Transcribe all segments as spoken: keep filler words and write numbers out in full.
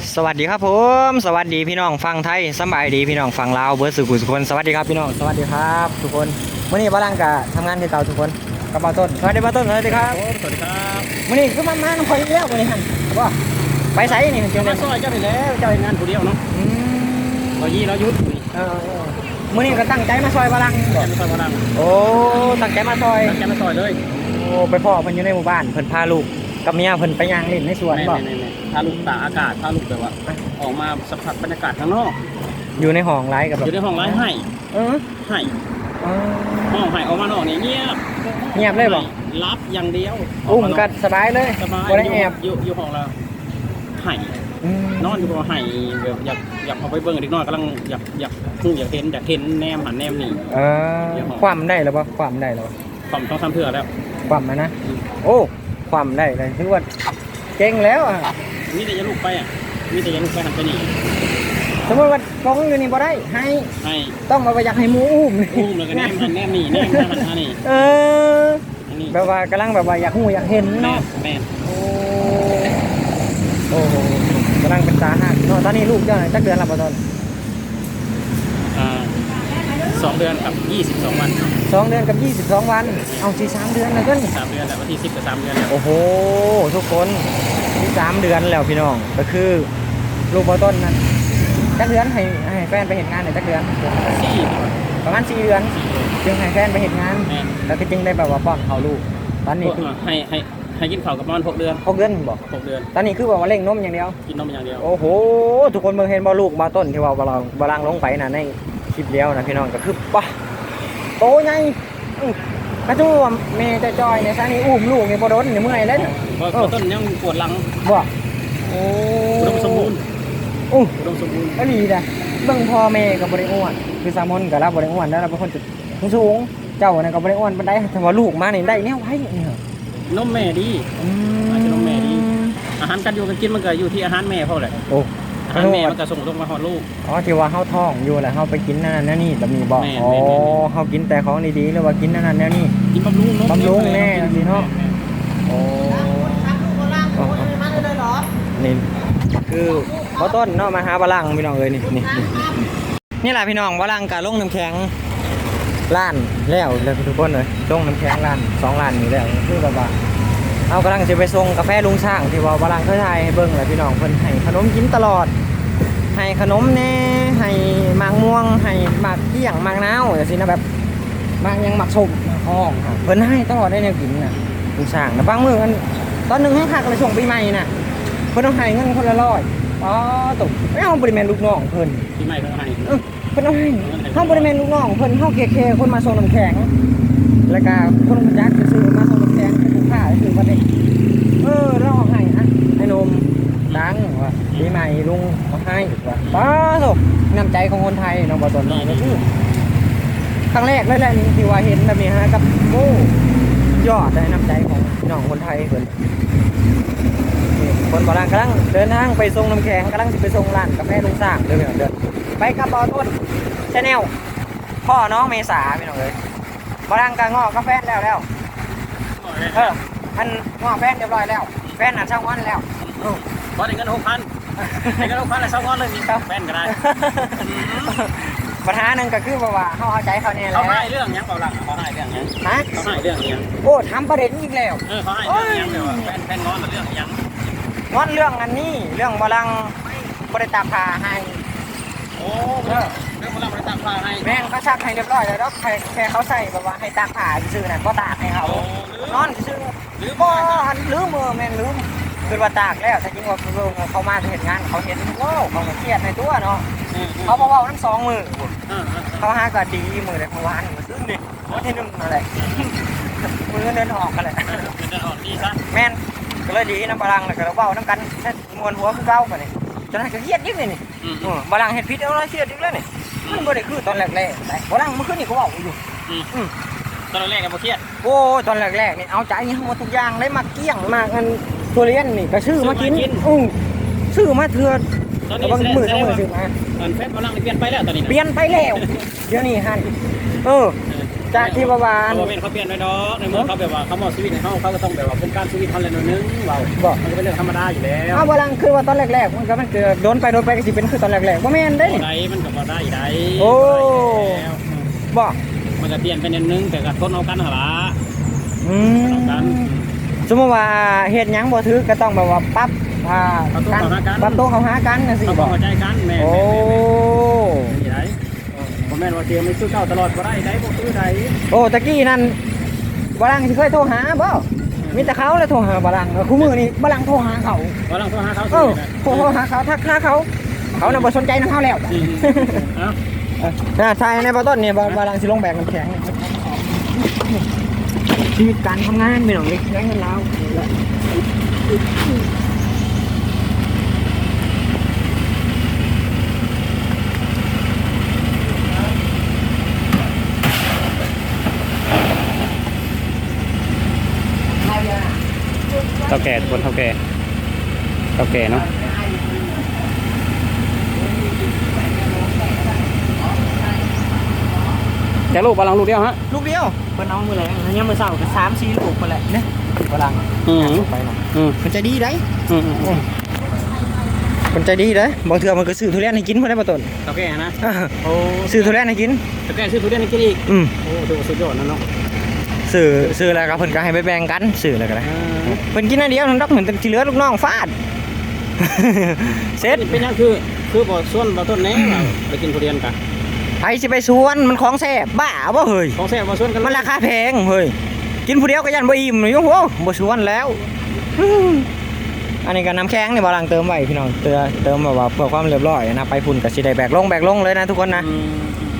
สวัสดีครับผมสวัสดีพี่น้องฟังไทยสบายดีพี่น้องฟังลาวเบิร์ดสุขุสุคนสวัสดีครับพี่น้องสวัสดีครับทุกคนวันนี้บ้านกะทำงานที่เก่าทุกคนกับป้าต้นสวัสดีป้าต้นสวัสดีครับสวัสดีครับวันนี้คือมามาคอยแล้ววันนี้ฮันว่าไปใส่นี่เจ้ามาซอยเจ้าไปแล้วเจ้าเองงานผู้เดียวเนาะเรายี่เรายุดเออมื่อนี้ก็ตั้งใจมาซอยบ้านตั้งใจมาซอยบ้านโอ้ตั้งใจมาซอยตั้งใจมาซอยเลยโอ้ไปพ่อเพิ่นอยู่ในหมู่บ้านเพิ่นพาลูกกับเมียเพิ่นไปย่างเล่นในสวนบ่พาลูกตากอากาศพาลูกแบบว่าออกมาสัมผัสบรรยากาศข้างนอกอยู่ในห้องไร้กับแบบอยู่ในห้องไร้ให้เออให้ห้องให้ออกมานอกนี่เงียบเงียบเลยบ่รับอย่างเดียวอุ้มกันสบายเลยสบายบ่ได้แอบอยู่อยู่ห้องเราให้นอนอยู่บ่ให้แบบอยากอยากเอาไปเบิ่งเด็กน้อยกำลังอยากอยากฮู้อยากเห็นอยากเห็นแนมหันแนมนี่เออความได้แล้วบ่ความได้แล้วความต้องทำเพื่อแล้วความนะนะโอ้ความได้เลยถือว่าเก่งแล้วอ่ะมีแต่จะลูกไปอ่ะมีแต่จะลูกไปหันไปนี่สมมติว่ากองอยู่นี่บ่ได้ให้ให้ต้องมาอยากให้หมูอุ้มอุ้มแล้วก็แนมหันแนมนี่แนมหันนี่เออแบบว่ากำลังแบบว่าอยากหูอยากเห็นเนาะแม่โอ้โอ้กำลังเป็นตาหักเนาะตอนนี้ลูกเจ้าจักเดือนละบ่ตอนอ่าสองเดือนกับยี่สิบสองวันสองเดือนกับยี่สิบสองวันเอาสี่สามเดือนแล้วกันสามเดือนแล้ววันที่สิบกับสามเดือนแล้วโอ้โหทุกคนที่สามเดือนแล้วพี่น้องก็คือลูกบ่ต้นนั้นจักเดือนให้ให้แฟนไปเห็นงานในจักเดือนสี่ประมาณสี่เดือนจึงให้แฟนไปเห็นงานแล้วก็จึงได้แบบว่าป้อนเขาลูกตอนนี้คือให้ให้ให้กินข้าวกับประมาณหกเดือนหกเดือนบอกหกเดือนตอนนี้คือแบบว่าเล่งนมอย่างเดียวกินนมอย่างเดียวโอ้โหทุกคนเมื่อเห็นบ่ลูกบ่ต้นที่ว่าบาลังบาลังลงไปนะในคลิปเดียวนะพี่น้องก็คือป่ะโตไงกระจู้เมย์จะจอยในซานี้อุ้มลูกในบ่โดนในเมื่อยเลยบ่ต้นยังปวดหลังบ่โอ้อุดมสมบูรณ์อู้อุดมสมบูรณ์ก็ดีนะเบิ่งพ่อแม่กับบริอ้วนคือสามนกับเราบริอ้วนแล้วเราเป็นคนจุดสูงเจ้าเนี่ยกับบริอ้วนเป็นได้แต่ว่าลูกมาเนี่ยได้เนี่ยไว้เนี่ยนมแม่ดีอาจจะนมแม่ดีอาหารการอยู่กันกินมันก็อยู่ที่อาหารแม่เขาแหละโอ้อาหารแม่มันก็ส่งลงมาหอดลูกอ๋อที่ว่าเขาท้องอยู่แหละเขาไปกินนั่นนั่นนี่แบบนี้บอกอ๋อเขากินแต่ของดีๆหรือว่ากินนั่นนั่นนี่กินบำรุงบำรุงแน่สิเนาะโอ้นี่คือพ่อต้นเนาะมาหาบาลังพี่น้องเลยนี่นี่นี่แหละพี่น้องบาลังกับลงน้ำแข็งล้านแล้วเลยทุกคนเลยลงน้ำแข็งล้านสองล้านนี่แล้วคือแบบว่าเอากำลังจะไปส่งกาแฟลุงช่างที่ว่าบาลังเคยทายให้เบิ้งเลยพี่น้องเพิ่นให้ขนมกินตลอดให้ขนมแน่ให้หมากม่วงให้หมากเกี้ยงหมากน้าวอย่างนี้นะแบบหมากยังหมากส้มห้องเพิ่นให้ตลอดได้แนวกินน่ะลุงช่างแต่บางมื้อมันตอนหนึ่งให้หักเลยส่งปีใหม่น่ะเพิ่นต้องให้เงินคนละร้อยอ๋อตกไม่เอาบริเวณลูกน้องเพิ่นปีใหม่เพิ่นให้เพิ่นเอาให้เขาบริเวณลูกน้องเพิ่นเขาเคเคคนมาส่งน้ำแข็งแล้วก็คนจักซื้อมาส่งน้ำแข็งให้ลูกค้าซื้อมาได้เออเราเอาให้อ่ะไอ้นมดังว่าปีใหม่ลุงเอาให้ว่าป้าโตน้ำใจของคนไทยน้องบ่ตนน้องก็คือครั้งแรกเลยแหละนี่ที่ว่าเห็นแบบนี้ฮะกับโอ้ยอดได้น้ำใจของพี่น้องคนไทยเพิ่นคนบาลังกำลังเดินทางไปส่งน้ำแข็งกำลังจะไปส่งร้านกาแฟลุงสร้างเดินเดินไปกับบ่ต้นชาแนลพ่อน้องเมษาพี่น้องเลยบาลังกางงอกกาแฟแล้วแล้วเอออันงอกแฟนเรียบร้อยแล้วแฟนอ่ะช่างวันแล้วพอได้เงินหกพันได้เงินหกพันแล้วช่างวันเลยมีแฟนก็ได้ปัญหาหนึ่งก็คือว่าเขาเอาใจเขาเนี่ยแหละเขาให้เรื่องยังเปล่าล่ะเขาให้เรื่องยังฮะเขาให้เรื่องยังโอ้ทำประเด็นอีกแล้วเออเขาให้เรื่องยังเดี๋ยวแฟนแฟนงอนเรื่องยังงอนเรื่องอันนี้เรื่องบาลังบริตาพาให้โอ้เรื่องบาลังบริตาพาให้แม่งเขาชักให้เรียบร้อยแล้วแค่แค่เขาใส่แบบว่าให้ตากผ้าซื้อน่ะก็ตากให้เขานอนซื้อหรือก็ลืมมือแม่งลืมคือว่าตากแล้วแต่จริงว่าเขามาเห็นงานเขาเห็นว้าวเขาเครียดในตัวเนาะเขาบอกว่าทั้งสองมือเขาหาก็ดีมือเลยเมื่อวานมือซึ่งดิวันที่หนึ่งอะไรมือเดินออกกันเลยเดินออกดีซะแม่นก็เลยดีนะบาลังเลยก็เราเบ้าน้ำกันมวนหัวคือเก้ากันนี่จนให้ก็เครียดยิ่งเลยนี่บาลังเห็นพิษเอาแล้วเครียดยิ่งเลยนี่มันบ่ได้คือตอนแรกๆบาลังเมื่อคืนนี่ก็บอกอยู่ตอนแรกๆก็เครียดโอ้ตอนแรกๆนี่เอาใจทั้งหมดทุกอย่างได้มาเกี้ยงมากันทุเรียนนี่ก็ชื่อมากินอือชื่อมาเถื่อนบางมือต้องมือซื้อมาตอนแฟนบาลังเปลี่ยนไปแล้วตอนนี้เปลี่ยนไปแล้วเดี๋ยวนี้ฮันเออจากที่ประมาณเขาเป็นเขาเปลี่ยนไปดอกในเมื่อเขาแบบว่าเขามอบชีวิตให้เขาเขาก็ต้องแบบว่าเป็นการชีวิตเขาเลยหน่อยนึงเบาบอกมันก็เป็นเรื่องธรรมดาอยู่แล้วอ้าวบลังคือว่าตอนแรกๆมันก็มันเกิดโดนไปโดนไปก็สิเป็นคือตอนแรกๆบ่แม่นได้นี่ได้มันก็บ่ได้ได้โอ้แล้วบอกมันก็เปลี่ยนไปนิดนึงแต่ก็ทนเอากันหละอืเอากันมสมมติว่าเฮ็ดหยังบ่ถือก็ต้องแบบว่าปรับอ่าการปรับตัวเข้าหากันจังซี่เขาบ่เข้าใจกันแม่โอ้นี่ได้บ่แม่นว่าเตรียมไม่ซื้อเก่าตลอดบ่ได้ได้บ่ซื้อได้โอ้ตะกี้นั่นบลังสิเคยโทรหาบ่มีแต่เขาเลยโทรหาบลังคู่มือนี่บลังโทรหาเขาบ่ลองโทรหาเขาเอซื้อนะโทรหาเขาทักหาเขาเขาน่ะบ่สนใจนำเฮาแล้วอืมเอ้าน่าใช่ในบ่ต้นนี่บ่บลังสิลงแบกน้ำแข็งชีวิตการทำงานไม่ต้องเล็กแรงเงินแล้วเท่าแก่ทุกคนเท่าแก่เท่าแก่เนาะแต่ลูกบาลังลูกเดียวฮะลูกเดียวเพิ่นเอามือแรงอันนี้มือเศร้าก็สามสี่ลูกเพิ่นแหละเนี่ยบลังอืมไปหน่อยอืมมันใจดีได้อืมอืมอืมมันใจดีเด้บางเทื่อมันก็ซื้อทุเรียนให้กินเพิ่นได้บ่ต้นเท่าแก่นะอ่าโอ้ซื้อทุเรียนให้กินเท่าแก่ซื้อทุเรียนให้กินอีกอืมโอ้ดูสุดยอดนะเนาะซื้อซื้อแล้วก็เพิ่นก็ให้ไปแบ่งกันซื้อแล้วก็ได้อ่าเพิ่นกินอันเดียวทั้งดอกเหมือนที่เหลือลูกน้องฟาด เสร็จเป็นยังคือคือบ่ส่วนบ่ต้นแหน่เราไปกินทุเรียนกันไผสิไปสวนมันของแซ่บบ้าบ่เฮ้ยของแซ่บบ่ส่วนกันมันราคาแพงเฮ้ยกินผู้เดียวก็ยันบ่อิ่มอยู่โหบ่สวนแล้ว อืมอันนี้ก็น้ำแข็งนี่บ่ลังเติมไว้พี่น้องเติมเติมแบบว่าเพื่อความเรียบร้อยนะไปพุ่นก็สิได้แบกลงแบกลงเลยนะทุกคนนะอืม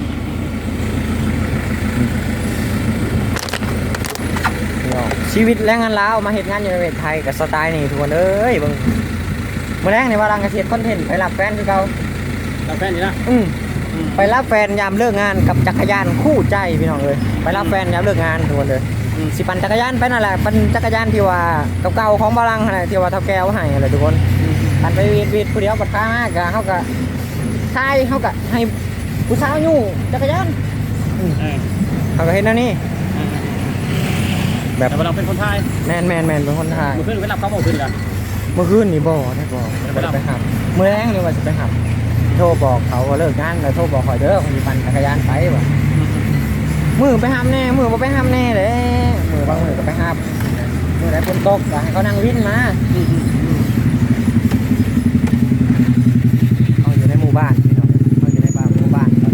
พี่น้องชีวิตแรงงานลาวมาเฮ็ดงานอยู่ในประเทศไทยกับสไตล์นี่ทุกคนเอ้ยเบิ่งมื้อแรงนี่ว่าลังก็สิเฮ็ดคอนเทนต์ไปรับแฟนคือเก่าเราแฟนนี่นะอืมอืมไปรับแฟนยามเลิกงานกับจักรยานคู่ใจพี่น้องเอ้ยไปรับแฟนยามเลิกงานทุกคนเลยอืมสิปั่นจักรยานไปนั่นแหละปั่นจักรยานที่ว่าเก่าๆของบาลังนั่นแหละที่ว่าเท่าแก้วให้อะไรทุกคนปั่นไปวีดวีดผู้เดียวปัดข้างมากกะเขาก็ทายเขาก็ให้ผู้สาวอยู่จักรยานเออเขาก็เห็นนั่นนี่เออแบบแต่ว่าเราเป็นคนไทยแมนแมนแมนเป็นคนทายมื้อคืนไปรับเขาบ่ขึ้นกันเมื่อคืนนี่บ่ได้บ่ได้ไปหับเมื่อแรงนี่ว่าจะไปหับโทรบอกเขาว่าเลิกงานแล้วโทรบอกคอยเด้อคนที่ปั่นจักรยานไปว่ะมือไปหับแน่มือบ่ไปหับแน่เลยมือบางมือก็ไปหับมือไหนฝนตกก็ให้เขานั่งวินมาอืมอืมอืมเขาอยู่ในหมู่บ้านพี่น้องเขาอยู่ในบ้านหมู่บ้านครับ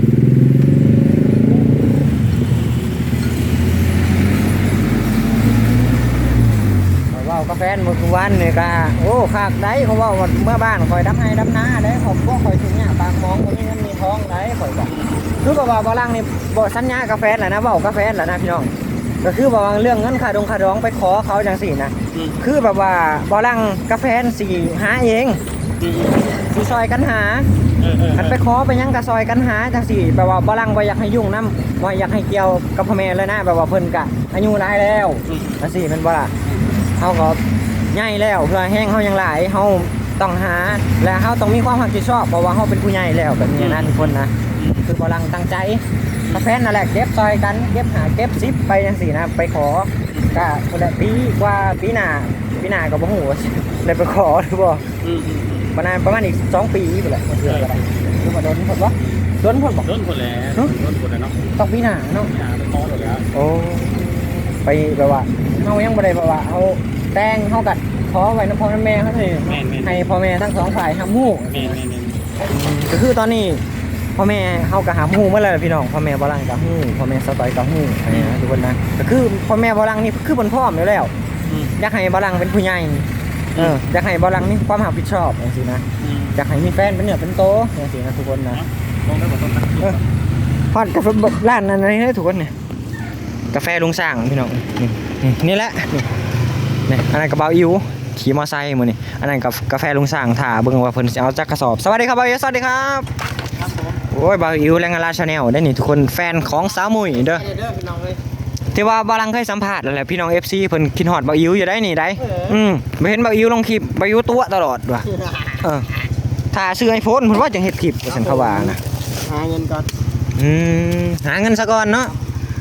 เขาเว่ากาแฟเมื่อคืนวันนี่ก็โอ้ขากได้เขาเว่าว่าเมื่อบ้านคอยดำให้ดำนาได้ผมก็คอยถึงเนี่ยปากมองก็มีเงินมีทองได้คอยบอกคือบอกว่าบอลังนี่บอกสัญญากาแฟแหละนะบอกกาแฟแหละนะพี่น้องก็คือบอกว่าเรื่องเงินค่าดงค่าดองไปขอเขาจังสี่นะอืมคือแบบว่าบอลังกาแฟสี่หาเองอืมสีซอยกันหาเออเออคันไปขอไปยังกะซอยกันหาจังสี่แบบว่าบลังบ่อยากให้ยุ่งน้ำบ่อยากให้เกี่ยวกับพ่อแม่เลยนะแบบว่าเพิ่นกะอายุหลายแล้วจังสี่แม่นบ่ล่ะเฮาก็ใหญ่แล้วเพื่อแห้งเฮายังหลายเฮาต้องหาและเฮาต้องมีความรับผิดชอบเพราะว่าเฮาเป็นผู้ใหญ่แล้วแบบนี้นะทุกคนนะคือบลังตั้งใจกาแฟนั่นแหละเก็บซอยกันเก็บหาเก็บซิปไปจังสี่นะไปขอก็คนละปีกว่าปีหน้าปีหน้าก็บ่ฮู้ว่าได้ไปขอหรือบ่อืมอืมประมาณประมาณอีกสองปีไปแหละมันเถื่อก็ได้คือมาโดนผลวะโดนผลบอกโดนคนแล้วโดนคนแล้วเนาะต้องปีหน้าเนาะอย่าไปขอหมดแล้วโอ้ไปแบบว่าเขายังบ่ได้แบบว่าเอาแต่งเขากัดขอไว้น้ำพ่อน้ำแม่เขาเลยแม่นแม่นให้พ่อแม่ทั้งสองฝ่ายทำหู้แม่นแม่นแม่นก็คือตอนนี้พ่อแม่เขากับหาหู้เมื่อไรพี่น้องพ่อแม่บอลังกับหู้พ่อแม่สตอยกับหู้อะไรนะทุกคนนะก็คือพ่อแม่บอลังนี่คือบนพ่อมอยู่แล้วอืมอยากให้บอลังเป็นผู้ใหญ่เอออยากให้บอลังนี่ความรับผิดชอบอย่างนี้นะอืมอยากให้มีแฟนเป็นเหนือเป็นโตอย่างนี้นะทุกคนนะลงได้หมดต้นนะพอดกาแฟร้านนั้นอะไรได้ถูกคนเนี่ยกาแฟลุงสร้างพี่น้องนี่นี่นี่แหละนี่นี่อันนั้นกระเป๋าอิ๋วขี่มอไซค์มือนี่อันนั้นกับกาแฟลุงสร้างถ่าเบิ่งว่าเพิ่นสิเอาจักกระสอบสวัสดีครับบ่าวอิ๋วสวัสดีครับครับผมโอ้ยบ่าวอิ๋วแรงงานลาชาแนลได้นี่ทุกคนแฟนของสาวมุ้ยเด้อไปเด้อพี่น้องเลยที่ว่าบาลังเคยสัมภาษณ์แล้วแหละพี่น้อง เอฟ ซี เพิ่นคิดฮอดบ่าวอิ๋วอยู่ได้นี่ได้อืมบ่เห็นบ่าวอิ๋วลงคลิปบ่าวอิ๋วตัวตลอดว่ะเออถ้าซื้อ iPhone เพิ่นว่าจังเฮ็ดคลิปว่าซั่นเขาว่านะหาเงินก่อนอืมหาเงินซะก่อนเนาะ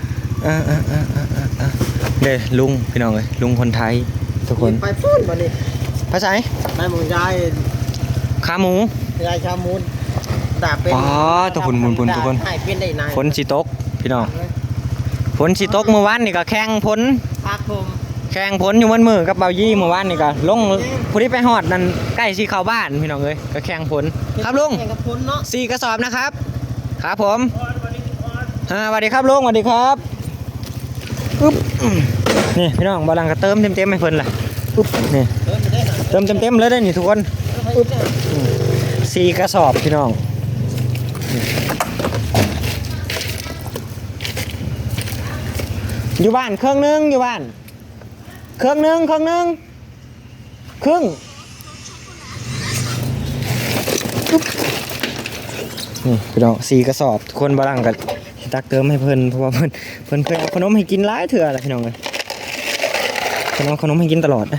อ่าอ่าอ่าอ่าอ่าเด้ลุงพี่น้องเอ้ยลุงคนไทยทุกคนไปพูดมาดิภาษาไปหมูยายขาหมูยายชามูนด่าเป็นอ๋อตัวคุณบุญบุญทุกคนให้เป็นได้นายฝนสิตกพี่น้องฝนสิตกเมื่อวานนี่ก็แข่งฝนพักผมแข่งผลอยู่มันมือกับเบายี่เมื่อวานนี่ก็ลงผู้ที่ไปฮอดนั่นใกล้สิเข้าบ้านพี่น้องเอ้ยก็แข่งผลครับลุงแข่งกับพ้นเนาะสี่กระสอบนะครับครับผมอ่าสวัสดีครับลุงสวัสดีครับอึ๊บอืมนี่พี่น้องบาลังก็เติมเต็มๆให้เพิ่นล่ะอึ๊บนี่เดินไปได้หน่อยเติมเต็มๆเลยได้อนี่ทุกคนอึ๊บอืมสี่กระสอบพี่น้องนี่อยู่บ้านเครื่องนึงอยู่บ้านเครื่องนึงเครื่องนึงครึ่งอึ๊บนี่พี่น้องสี่กระสอบทุกคนบาลังกันตักเติมให้เพิ่นเพราะว่าเพิ่นเพิ่นเคยเอาขนมให้กินหลายเถื่อแหละพี่น้องเลยเพิ่นเอาขนมให้กินตลอดนะ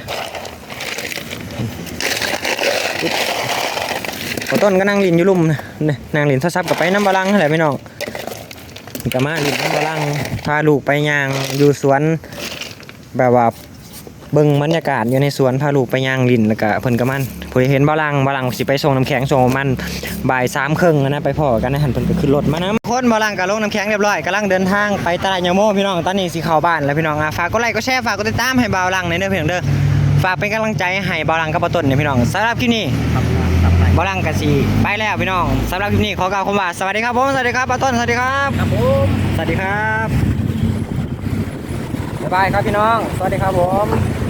พอต้นก็นั่งลินอยู่ลุ่มนะนี่นั่งลินโทรศัพท์กับไปน้ำบาลังนั่นแหละพี่น้องนี่ก็มาลินน้ำบาลังพาลูกไปย่างอยู่สวนแบบว่าเบิ่งบรรยากาศอยู่ในสวนพาลูกไปย่างลินแล้วก็เพิ่นก็มันพอเห็นบาลังบาลังสิไปส่งน้ำแข็งส่งมันบ่ายสามครึ่งนะไปพ่อกันนะหันเพิ่นก็ขึ้นรถมานะคนบาลังก็ลงน้ำแข็งเรียบร้อยกำลังเดินทางไปตลาดยาโมพี่น้องตอนนี้สิเข้าบ้านแล้วพี่น้องอ่ะฝากกดไลค์กดแชร์ฝากกดติดตามให้บาลังในอยเด้อพี่น้องเด้อฝากเป็นกำลังใจให้บาลังกับป้าต้นเนี่ยพี่น้องสำหรับคลิปนี้บาลังก็สิไปแล้วพี่น้องสำหรับคลิปนี้ขอกล่าวคำว่าสวัสดีครับผมสวัสดีครับป้าต้นสวัสดีครับครับผมสวัสดีครับบ๊ายบายครับพี่น้องสวัสดีครับผม